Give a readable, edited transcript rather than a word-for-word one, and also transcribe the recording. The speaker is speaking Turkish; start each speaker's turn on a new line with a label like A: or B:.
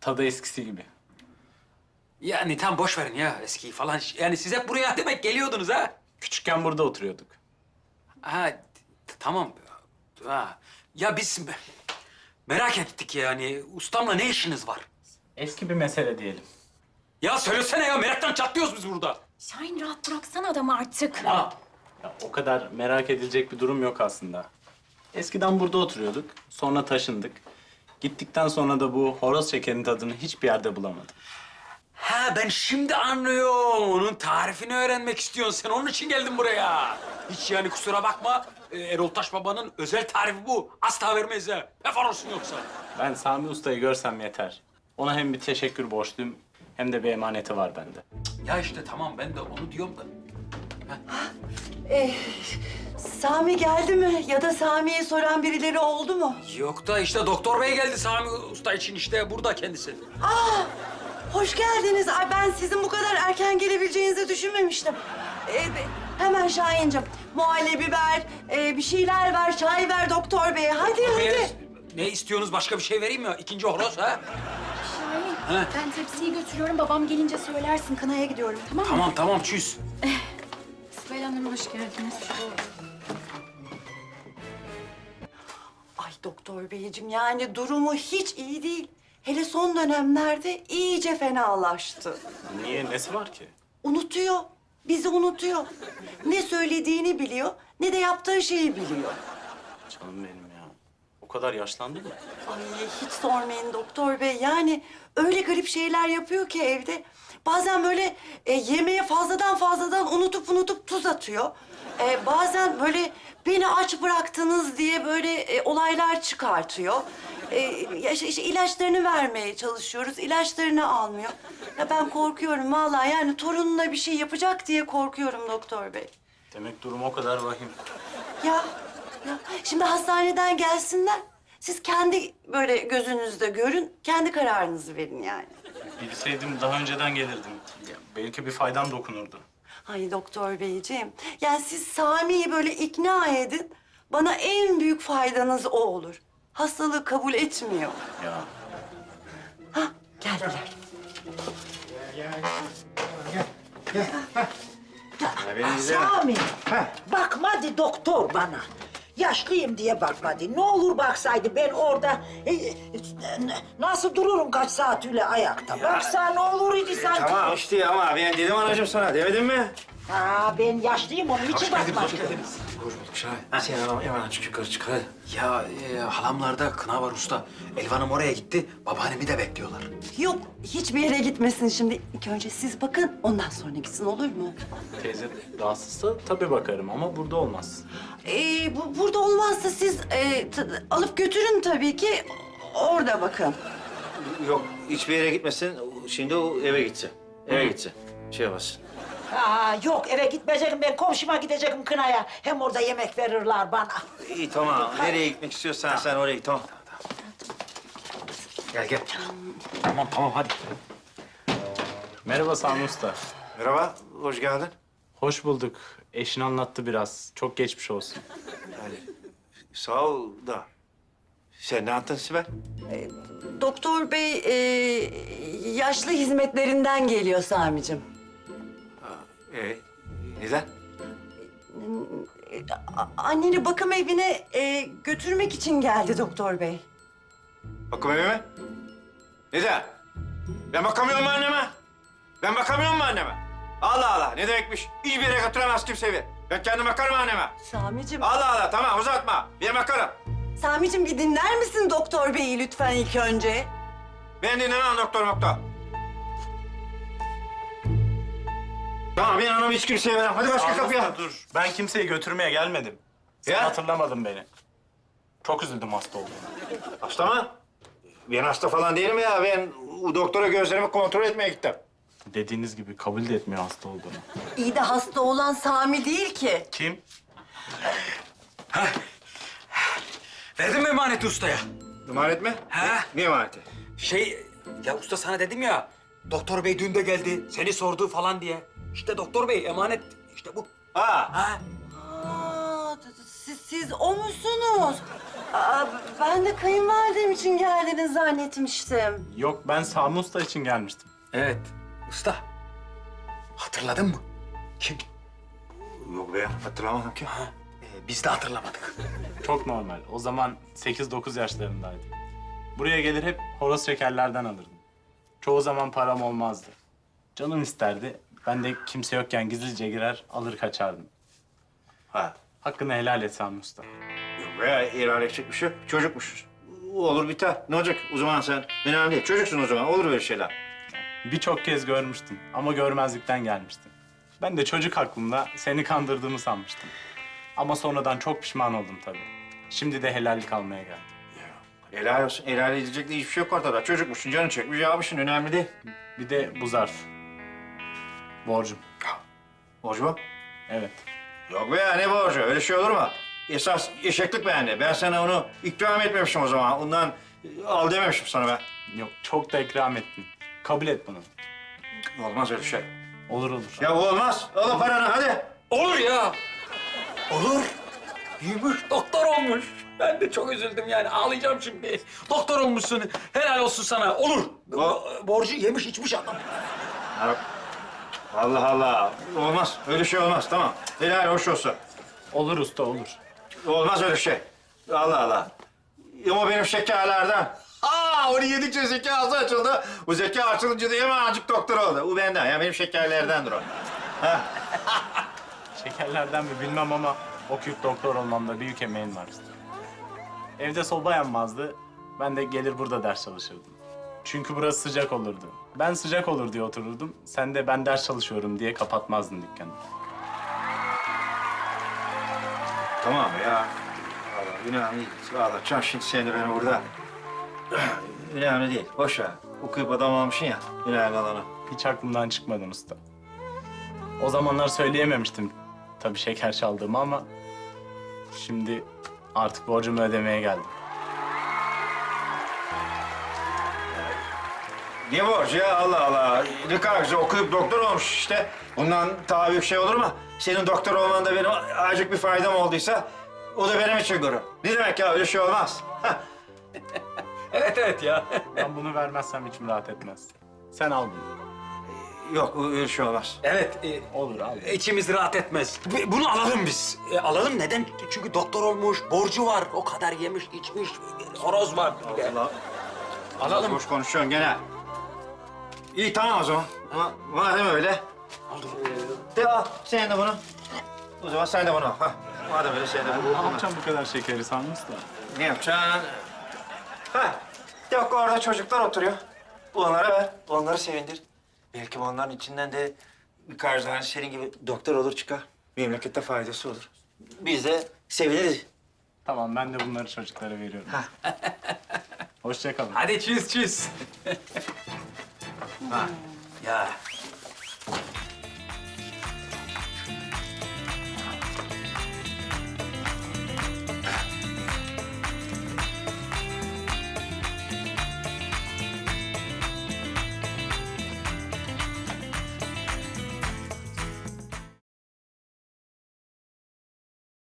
A: Tadı eskisi gibi.
B: Yani tam boş verin ya eskiyi falan. Yani siz hep buraya demek geliyordunuz ha?
A: Küçükken burada oturuyorduk.
B: Ha, tamam. Ha. Ya biz merak ettik yani. Ustamla ne işiniz var?
A: Eski bir mesele diyelim.
B: Ya söylesene ya, meraktan çatlıyoruz biz burada.
C: Şahin rahat bıraksana adamı artık.
B: Ha.
A: Ya, o kadar merak edilecek bir durum yok aslında. Eskiden burada oturuyorduk, sonra taşındık. Gittikten sonra da bu horoz şekerinin tadını hiçbir yerde bulamadım.
B: Ha, ben şimdi anlıyorum. Onun tarifini öğrenmek istiyorsun sen. Onun için geldim buraya. Hiç yani kusura bakma. Erol Taş Baba'nın özel tarifi bu. Asla vermeyiz ha. Pefar olsun yoksa.
A: Ben Sami Usta'yı görsem yeter. Ona hem bir teşekkür borçluyum hem de bir emaneti var bende.
B: Ya işte tamam, ben de onu diyorum da.
D: Sami geldi mi? Ya da Sami'yi soran birileri oldu mu?
B: Yok da işte doktor bey geldi Sami Usta için, işte burada kendisi.
D: Hoş geldiniz. Ay ben sizin bu kadar erken gelebileceğinizi düşünmemiştim. Hemen Şahin'cim muhallebi ver, bir şeyler ver, çay ver doktor bey. Hadi hadi.
B: Ne istiyorsunuz, başka bir şey vereyim mi? İkinci horoz ha?
C: Şahin, ben tepsiyi götürüyorum. Babam gelince söylersin. Kınaya gidiyorum, tamam mı?
B: Tamam çüz.
C: Sibel Hanım hoş geldiniz.
D: Ay doktor beyciğim yani durumu hiç iyi değil. Hele son dönemlerde iyice fenalaştı.
A: Niye? Nesi var ki?
D: Unutuyor. Bizi unutuyor. Ne söylediğini biliyor, ne de yaptığı şeyi biliyor.
A: Canım benim ya. O kadar yaşlandı mı?
D: Ay hiç sormayın doktor bey. Yani öyle garip şeyler yapıyor ki evde. Bazen böyle yemeğe fazladan unutup tuz atıyor. Bazen böyle beni aç bıraktınız diye böyle olaylar çıkartıyor. İşte ilaçlarını vermeye çalışıyoruz. İlaçlarını almıyor. Ya ben korkuyorum vallahi, yani torununa bir şey yapacak diye korkuyorum doktor bey.
A: Demek durum o kadar vahim.
D: Ya şimdi hastaneden gelsinler. Siz kendi böyle gözünüzde görün, kendi kararınızı verin yani.
A: Bilseydim daha önceden gelirdim. Ya, belki bir faydam dokunurdu.
D: Ay doktor beyciğim, yani siz Sami'yi böyle ikna edin. Bana en büyük faydanız o olur. Hastalığı kabul etmiyor.
A: Ya
D: Hah, geldiler.
E: Sami, bakmadı doktor bana. Yaşlıyım diye bakmadı. Ne olur baksaydı ben orada nasıl dururum kaç saat öyle ayakta. Baksa ne olur idi sanki.
F: Tamam işte ama ben dedim anacığım sana demedim mi?
E: Ha, ben yaşlıyım onun için bakmadım.
F: Sen hemen aç yukarı çık hadi.
B: Ya halamlarda kına var usta. Elvan'ım oraya gitti. Babaannemi de bekliyorlar.
D: Yok, hiçbir yere gitmesin şimdi. İlk önce siz bakın, ondan sonra gitsin, olur mu?
A: teyze rahatsızsa tabii bakarım ama burada olmaz.
D: Burada olmazsa siz alıp götürün tabii ki. Orada bakın.
F: Yok hiçbir yere gitmesin. Şimdi o eve gitsin. Eve gitsin. Şey yapmasın.
E: Ha, yok eve gitmeyeceğim ben komşuma gideceğim kınaya. Hem orada yemek verirler bana.
F: İyi tamam. Nereye gitmek istiyorsan sen oraya git tamam. Gel.
B: Tamam hadi.
A: Merhaba Sami Usta.
F: Merhaba, hoş geldin.
A: Hoş bulduk. Eşin anlattı biraz. Çok geçmiş olsun.
F: Yani sağ ol da. Sen ne yaptın Sibel?
D: Doktor bey yaşlı hizmetlerinden geliyor Sami'cim.
F: Neden?
D: Anneni bakım evine götürmek için geldi doktor bey.
F: Bakım evi mi? Neden? Ben bakamıyorum mu anneme? Ben bakamıyorum mu anneme? Allah Allah, ne demekmiş? Hiçbir yere götüremez kimse evi. Ben kendim bakarım anneme.
D: Sami'cim,
F: Allah Allah, tamam uzatma. Ben bakarım.
D: Sami'cim bir dinler misin doktor beyi lütfen ilk önce?
F: Ben dinlemem doktor. Tamam, ben anamı hiç kimseye veremem. Hadi başka kapıya.
A: Dur. Ben kimseyi götürmeye gelmedim. Sen
F: Ya?
A: hatırlamadın beni. Çok üzüldüm hasta olduğuna.
F: Hasta mı? Ben hasta falan değilim ya. Ben doktora gözlerimi kontrol etmeye gittim.
A: Dediğiniz gibi kabul de etmiyor hasta olduğunu.
D: İyi de hasta olan Sami değil ki.
A: Kim?
B: Verdin mi emaneti ustaya?
F: Emanet mi?
B: Ha?
F: Ne emaneti?
B: Ya usta sana dedim ya. Doktor bey dün de geldi. Seni sordu falan diye. İşte doktor bey emanet. İşte bu.
F: Ha.
B: Ha?
D: Siz o musunuz? Aa, ben de kayınvalidem için geldiniz zannetmiştim.
A: Yok, ben Sami Usta için gelmiştim.
B: Evet. Usta. Hatırladın mı? Kim?
F: Yok be, hatırlamadım ki.
B: Biz de hatırlamadık.
A: Çok normal. O zaman 8-9 yaşlarındaydım. Buraya gelir hep horoz şekerlerden alırdım. Çoğu zaman param olmazdı. Canım isterdi. Ben de kimse yokken gizlice girer, alır kaçardım.
F: Ha.
A: Hakkını helal et Sami Usta.
F: Yok be, ilerleyecek edecek bir şey yok. Çocukmuşuz. Olur biter. Ne olacak? O zaman sen önemli değil. Çocuksun o zaman. Olur böyle şeyler.
A: Birçok kez görmüştüm ama görmezlikten gelmiştim. Ben de çocuk aklımda seni kandırdığımı sanmıştım. Ama sonradan çok pişman oldum tabii. Şimdi de helallik almaya geldim.
F: Helal olsun. Helal edecek de hiçbir şey yok ortada. Çocukmuşsun, canın çekmiş, yapmışsın. Önemli değil.
A: Bir de bu zarf. Borcum.
F: Borcu mu?
A: Evet.
F: Yok be ya, ne borcu? Öyle şey olur mu? Esas eşeklik beğendi. Ben sana onu ikram etmemişim o zaman. Ondan al dememişim sana ben.
A: Yok, çok da ikram ettin. Kabul et bunu.
F: Olmaz öyle şey.
A: Olur olur.
F: Ya olmaz. Al o paranı hadi.
B: Olur ya. Olur. Büyümüş, doktor olmuş. Ben de çok üzüldüm yani. Ağlayacağım şimdi. Doktor olmuşsun. Helal olsun sana. Olur. Borcu yemiş içmiş adam.
F: Ya, Allah Allah. Olmaz. Öyle şey olmaz. Tamam. Helal hoş olsun.
A: Olur usta, olur.
F: Olmaz öyle şey. Allah Allah. Ama benim şekerlerden. Onu yedikçe zekası açıldı. Bu zeka açılınca da hemencik doktor oldu. Bu benden. Ya benim şekerlerdendir o. Ha.
A: Şekerlerden mi bilmem ama okuyup doktor olmamda büyük emeğin var. Evde soba yanmazdı. Ben de gelir burada ders çalışırdım. Çünkü burası sıcak olurdu. Ben sıcak olur diye otururdum. Sen de ben ders çalışıyorum diye kapatmazdın dükkanı.
F: Tamam ya. Vallahi önemli değil. Ağlatacağım şimdi seni ben burada. Önemli değil. Boş ver. Okuyup adam olmuşsun ya. Önemli olan o.
A: Hiç aklımdan çıkmadın usta. O zamanlar söyleyememiştim tabii şeker çaldığımı ama... ...şimdi artık borcumu ödemeye geldim.
F: Ne borcu ya? Allah Allah. Ne kadar güzel okuyup doktor olmuş işte. Bundan daha büyük şey olur mu? Senin doktor olman da benim azıcık bir faydam olduysa... ...o da benim için gurur. Ne demek ya? Öyle şey olmaz.
B: Evet evet ya.
A: Ben bunu vermezsem içim rahat etmez. Sen al bunu.
F: Yok, öyle şey olmaz.
B: Evet.
A: Olur al.
B: İçimiz rahat etmez. Bunu alalım biz. Alalım neden? Çünkü doktor olmuş, borcu var. O kadar yemiş, içmiş, horoz var. bir de.
F: Allah.
B: Alalım.
F: Boş konuşuyorsun gene. İyi tamam o zaman. Ama madem öyle. De al sen de bunu. O zaman sen de bunu al. Hah. Madem öyle sen de bunu.
A: Ne yapacağım bu kadar şekeri Sami Usta?
F: Ne yapacaksın? Ha. Yok orada çocuklar oturuyor. Onlara ver. Onları sevindir. Belki onların içinden de birkaç tane senin gibi doktor olur çıkar. Memlekette faydası olur. Biz de seviniriz.
A: Tamam, ben de bunları çocuklara veriyorum. Hoşça kalın.
B: Hadi çiz çiz.
F: Ha. Ya